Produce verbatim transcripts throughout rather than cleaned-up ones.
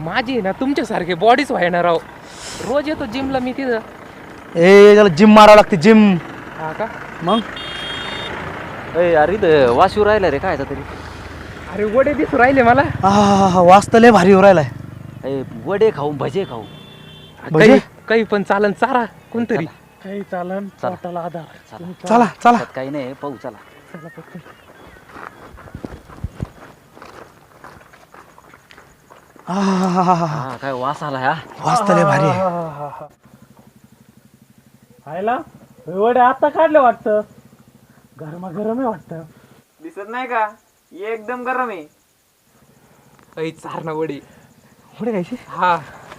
माझी ना तुमच्यासारखे बॉडीच व्हायना राव. रोज येतो जिमला मी तिथं. ए त्याला जिम मारावं लागते जिम. हा का? मग ए अरे इथं वाशिव राहिला रे काय तरी. अरे वडे दिसू राहिले मला. हा वाजता लय भारी राहिलाय. ए वडे खाऊ भजे खाऊ. भजे? काही पण चालन चारा कोणतरी. काही चालन पोटाला आधार. चला चला काही नाही पाहू चला. हा काय वास आला हा. वाजता लय भारी आहे. खायला वडे आता काढले वाटतं. गरमा गरम आहे वाटतं. दिसत नाही का एकदम गरम आहे. काही चार ना वडी. पुढे खायची. हा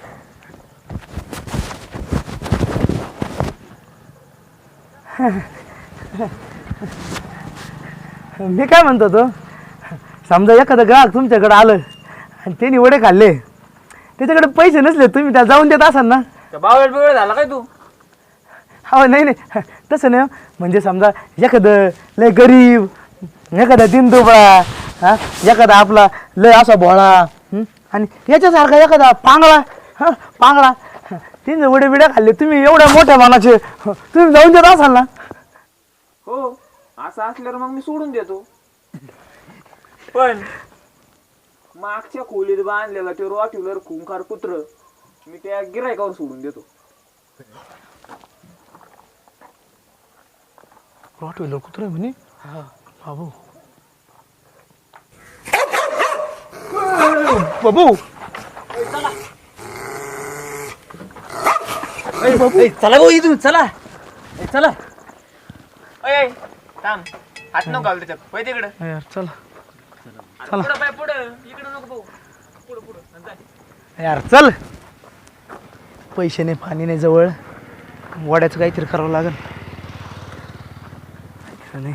मी काय म्हणतो तो समजा एखादं ग्राहक तुमच्याकडे आलं आणि त्यांनी वडे खाल्ले त्याच्याकडे पैसे नसले तुम्ही त्या जाऊन देत असाल ना. बावळ बिवळ झाला काय तू? हो नाही नाही तसं नाही. म्हणजे समजा एखादं लय गरीब एखादा दिनदुबळा हा एखादा आपला लय असा भोळा हं? आणि याच्यासारखा एखादा पांगळा हा पांगळा तीन वडे बिड्या खाल्ले तुम्ही एवढ्या मोठ्या मानाचे तुम्ही जाऊन देत असाल ना. हो असं असल्यावर मग मी सोडून देतो. पण मागच्या खोलीत बांधलेला ते रॉट्युलर खुंखार कुत्र मी त्या गिरायकावर सोडून देतो. रॉटवेलर कुत्रा म्हणे बाबू बाबू चला भाऊ इथून चला चला. अय थांब हात नको घाल त्याच्यात. होय तिकडं यार चला पुढं पाय पुढं इकडं नको भाऊ. पुढं पुढं जा. यार चल. पैसे नाही पाणी नाही जवळ वड्याचं काहीतरी करावं लागेल. नाही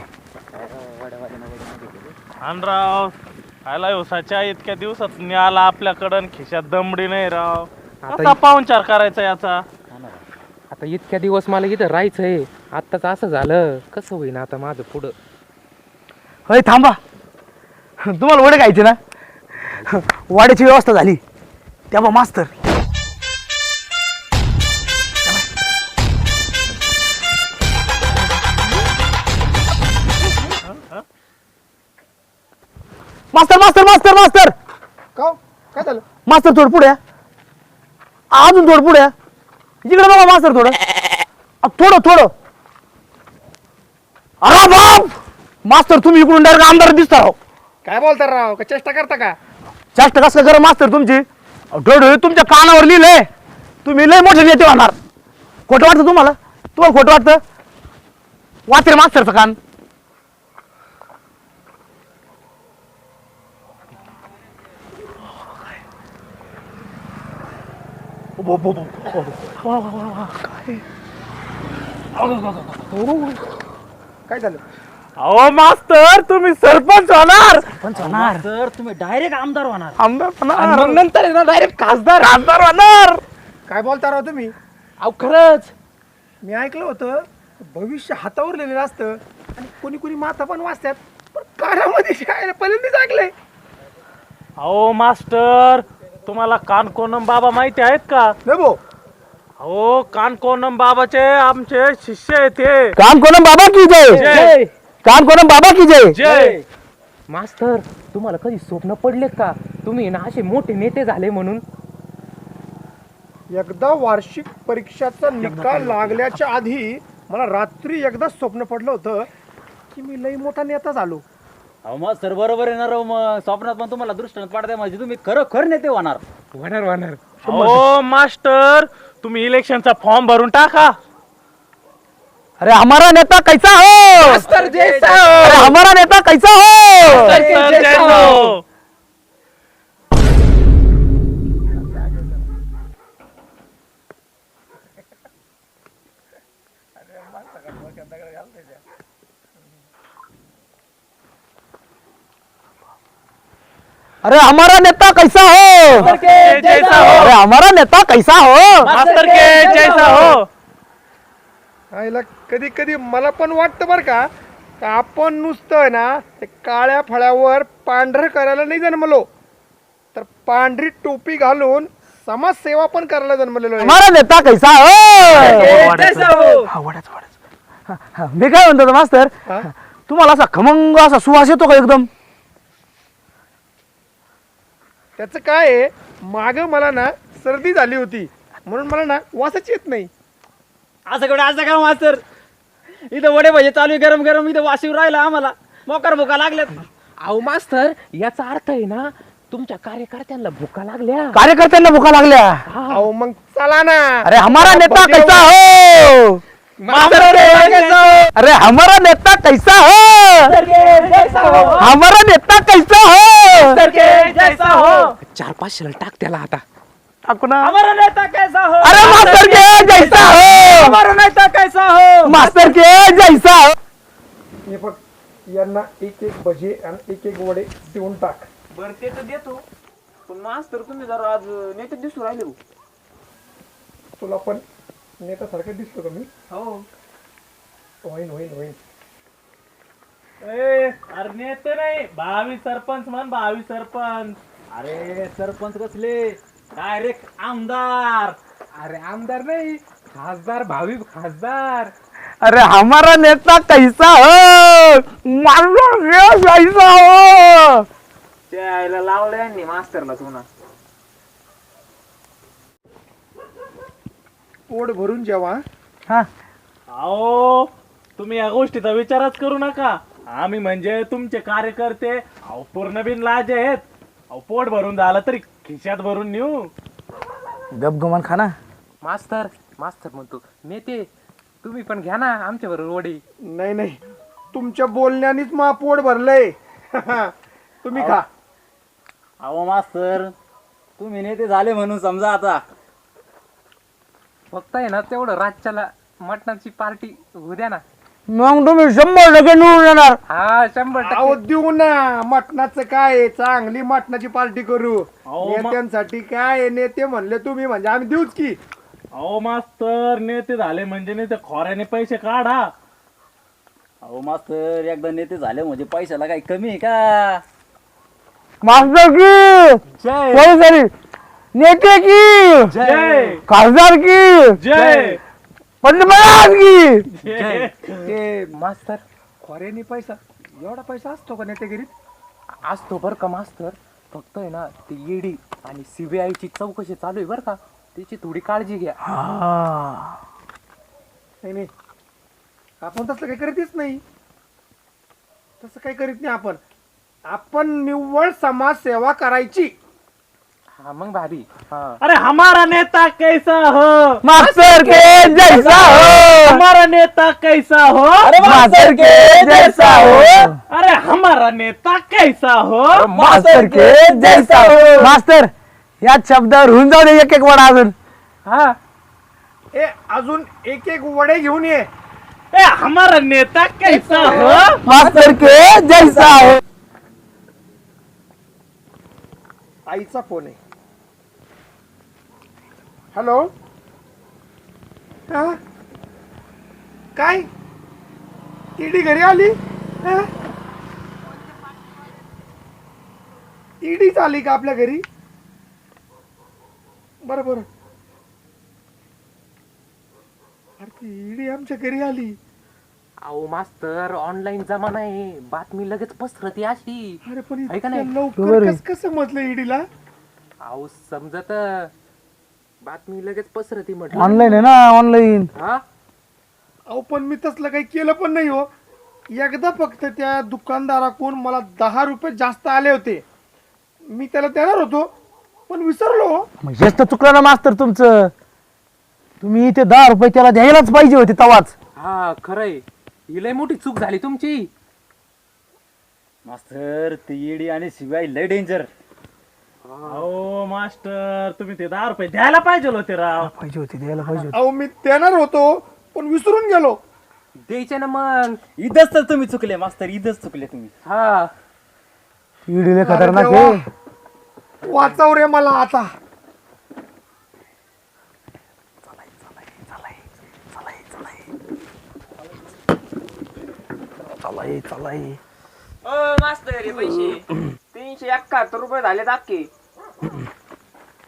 राव आला उसाच्या इतक्या दिवसात मी आला आपल्याकडं खिशात दमडी नाही राव. आता पाहुणचार करायचा याचा. आता इतक्या दिवस मला इथं राहायचंय. आत्ताच असं झालं कसं होईन आता माझं पुढं. होय थांबा तुम्हाला वडे खायचे ना. वाड्याची व्यवस्था झाली तेव्हा मास्तर मास्तर मास्तर मास्तर मास्तर का काय झालं? मास्तर थोडं पुढे या. अजून थोडं पुढे या. इकडे बघा मास्तर थोडं अ, थोडं थोडं. अरे बाप मास्तर तुम्ही इकडून डायरेक्ट आमदार दिसता राव. काय बोलता राव का चेष्टा करता का? जास्त कसं करा मास्तर तुमची डोळे तुमच्या कानावर लिहिलंय तुम्ही लय मोठे नेते होणार. खोटं वाटतं तुम्हाला? तुम्हाला खोटं वाटतं? वाचरे मास्तरचं कान. काय झालं? अहो मास्तर तुम्ही सरपंच होणार. पण होणार तर तुम्ही डायरेक्ट आमदार होणार. आमदार आणि होणार. मग नंतर आहे ना डायरेक्ट खासदार. खासदार होणार. काय बोलता राव तुम्ही? अहो खरंच. मी ऐकलं होतं भविष्य हातावर लिहिलेलं असतं आणि कोणी कोणी माथा पण वाचतात पण कानामध्ये शाळेला पहिल्यांदाच ऐकलंय. अहो मास्टर तुम्हाला कानकोनम बाबा माहिती आहेत का? हो हो कानकोनम बाबाचे आमचे शिष्य आहेत ते. काम कोणम बाबा की जय. जय. काम कोणम बाबा की जय. जय. मास्तर तुम्हाला कधी स्वप्न पडलेत का तुम्ही ना असे मोठे नेते झाले म्हणून? एकदा वार्षिक परीक्षाचा निकाल लागल्याच्या आधी मला रात्री एकदा स्वप्न पडलं होतं की मी लई मोठा नेता झालो. अहो मग सर बरोबर येणार राव. मग स्वप्नात पण तुम्हाला दृष्टांत पाडताय म्हणजे तुम्ही खरोखर नेते होणार. होणार होणार. हो मास्टर तुम्ही इलेक्शनचा फॉर्म भरून टाका. अरे हमारा नेता कैसा हो. मास्तर जैसा अरे हो. हमारा नेता कैसा हो. मास्टर जैसा हो. अरे हमारा नेता कैसा हो. जैसा हो. अरे हमारा नेता कैसा हो. मास्टर के जैसा हो. आईला कधी कधी मला पण वाटतं बरं का का आपण नुसतं ना ते काळ्या फळ्यावर पांढरं करायला नाही जन्मलो तर पांढरी टोपी घालून समाजसेवा पण करायला जन्मलेलो आहे. हमारा नेता कैसा हो हा, वाढायचं, वाढायचं. हा, हा, मी काय म्हणतो होतो, मास्तर हा? तुम्हाला असा खमंग असा सुवास येतो का एकदम? त्याचं काय आहे, माग मला ना सर्दी झाली होती म्हणून मला ना वासच येत नाही. असं कडे असं का मास्तर, इथं वडे भजे चालू आहे गरम गरम, इथं वाशिव राहिला आम्हाला मोकार भुका लागल्यात. अहो मास्तर, याचा अर्थ आहे ना तुमच्या कार्यकर्त्यांना भुका लागल्या. कार्यकर्त्यांना भुका लागल्या. अहो मग चला ना. अरे हमारा नेता कैसा हो अरे हमारा नेता कैसा हो हमारा नेता कैसा हो चार पाच शिल टाक त्याला आता. टाकू ना. हमारा नेता कैसा हो, अरे मास्तर के जैसा हो हमारा नेता कैसा हो. मास्तर के जैसा हो. हे बघ, यांना एक एक भजे आणि एक एक वडे देऊन टाक. बरं ते तर देतो, पण मास्तर तुम्ही जरा आज नेते दिसू राहिले हो. तुला पण नेत्यासारखं दिसतो का मी? हो होईन होईन होईन. ए, अरे नेते नाही, भावी सरपंच म्हण, भावी सरपंच. अरे सरपंच कसले, डायरेक्ट आमदार. अरे आमदार नाही, खासदार, भावी खासदार. अरे हमारा नेता कैसा हो मास्तर के जैसा हो. त्याला लावलं यांनी मास्तरला तुला. पोट भरून जेवा. हा अहो तुम्ही या गोष्टीचा विचारच करू नका. आम्ही म्हणजे तुमचे कार्यकर्ते अहो पूर्ण बिन लाज आहेत. अहो पोट भरून झालं तरी खिशात भरून नेऊ. गपगुमान खाना. मास्तर मास्तर म्हणतो नेते तुम्ही पण घ्या ना आमच्या बरोबर वडी. नाही नाही, तुमच्या बोलण्यानेच मा पोट भरलंय. तुम्ही खा. अहो मास्तर, तुम्ही नेते झाले म्हणून समजा आता. फक्त आहे ना तेवढं रातच्याला मटणाची पार्टी होऊ द्या ना. मग तुम्ही शंभर टक्के निवडून येणार. हा शंभर अहो टक्के. देऊ ना, मटणाचं काय आहे, चांगली मटणाची पार्टी करू. अहो, मा- नेत्यांसाठी काय आहे, नेते म्हणले तुम्ही म्हणजे आम्ही देऊच की. अहो मास्तर, नेते झाले म्हणजे नेते खोऱ्याने पैसे काढा. अहो मास्तर, एकदा नेते झाले म्हणजे पैशाला काही कमी आहे का. मास्तर की कोणी तरी नेते की जय खासदार की जय पंतप्रधान की. जय. ते मास्तर खोऱ्यानी पैसा, एवढा पैसा असतो का नेतेगिरीत? असतो बरं का मास्तर. फक्त आहे ना ती ईडी आणि सीबीआय ची चौकशी चालू आहे बरं का, त्याची थोडी काळजी घ्या. हा. नाही नाही, आपण तसं काही करीतच नाही. तसं काही करीत नाही आपण. आपण निव्वळ समाजसेवा करायची. हा मग भारी. हा अरे हमारा नेता कैसा हो, मास्तर के जैसा हो हमारा नेता कैसा हो, मास्तर के जैसा हो अरे हमारा नेता कैसा हो. मास्तर के जैसा हो. मास्तर या शब्दावर होऊन जाऊ दे एक एक वडा अजून. हा ए अजून एक एक वडे घेऊन ये. ए हमारा नेता कैसा हो. मास्तर के जैसा हो. आईचा फोन आहे. हॅलो. हा काय ईडी घरी आली? हा? ईडीच आली का आपल्या घरी? बरं बरं. अरे ती ईडी आमच्या घरी आली. अहो मास्तर ऑनलाईन जमाना आहे, बातमी लगेच पसरती अशी. अरे पण आहे का नाही? इतक्या लवकर बरोबर आहे. कसं कसं समजलं ईडीला? अहो समजत बातमी लगेच पसरती म्हटलं. ऑनलाईन आहे ना ऑनलाईन. हा अहो पण मी तसलं काही केलं पण नाही हो. एकदा फक्त त्या दुकानदाराकडून मला दहा रुपये जास्त आले होते. मी त्याला देणार होतो पण विसरलो हो. मग हेच तर चुकलं ना मास्तर तुमचं. तुम्ही इथे दहा रुपये त्याला द्यायलाच पाहिजे होते तवाच. हा खरंय, ही लय मोठी चूक झाली तुमची. मास्तर, ती ईडी आणि सीबीआय लय डेंजर. अहो मास्टर, तुम्ही ते दहा रुपये द्यायला पाहिजे होते राव. पाहिजे होते द्यायला पाहिजे होते. अहो मी देणार होतो पण विसरून गेलो. द्यायचे ना मग. इथंच तर तुम्ही चुकले मास्तर, इथंच चुकले तुम्ही. हा ईडीले अरे खतरनाक देवा, आहे. वाचव रे मला आता. चलाई चलाई. ओ मास्तर हे पैसे तीनशे एकाहत्तर रुपये झाले अख्खे.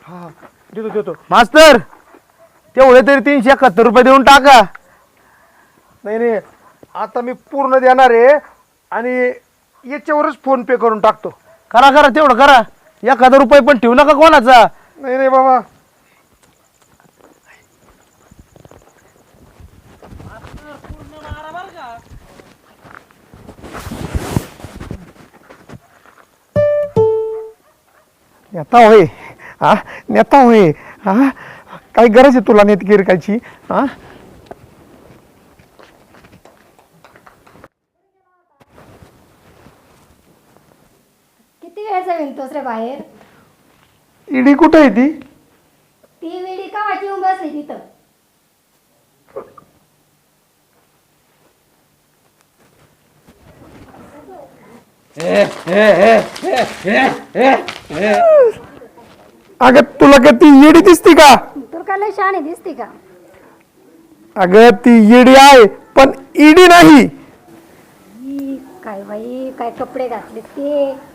हा देतो देतो. मास्तर तेवढे तरी तीनशे एकाहत्तर रुपये देऊन टाका. नाही नाही आता मी पूर्ण देणार आहे आणि याच्यावरच फोन पे करून टाकतो. करा करा तेवढं करा. एक हजार रुपये पण ठेवू नका कोणाचा. नाही नाही बाबा नेता होय हा नेता होय हा काय गरज आहे तुला नेत गिरकायची हा. किती वेळचा विणतोस रे बाहेर? ईडी कुठे आहे ती? ती वेळी का वाटी येऊन बसली तिथं? अगं तुला का ती ईडी दिसती का? तुला काय लय शहाणी दिसते का? अगं ती ईडी आहे पण ईडी नाही. ई, काय बाई काय कपडे घातले ते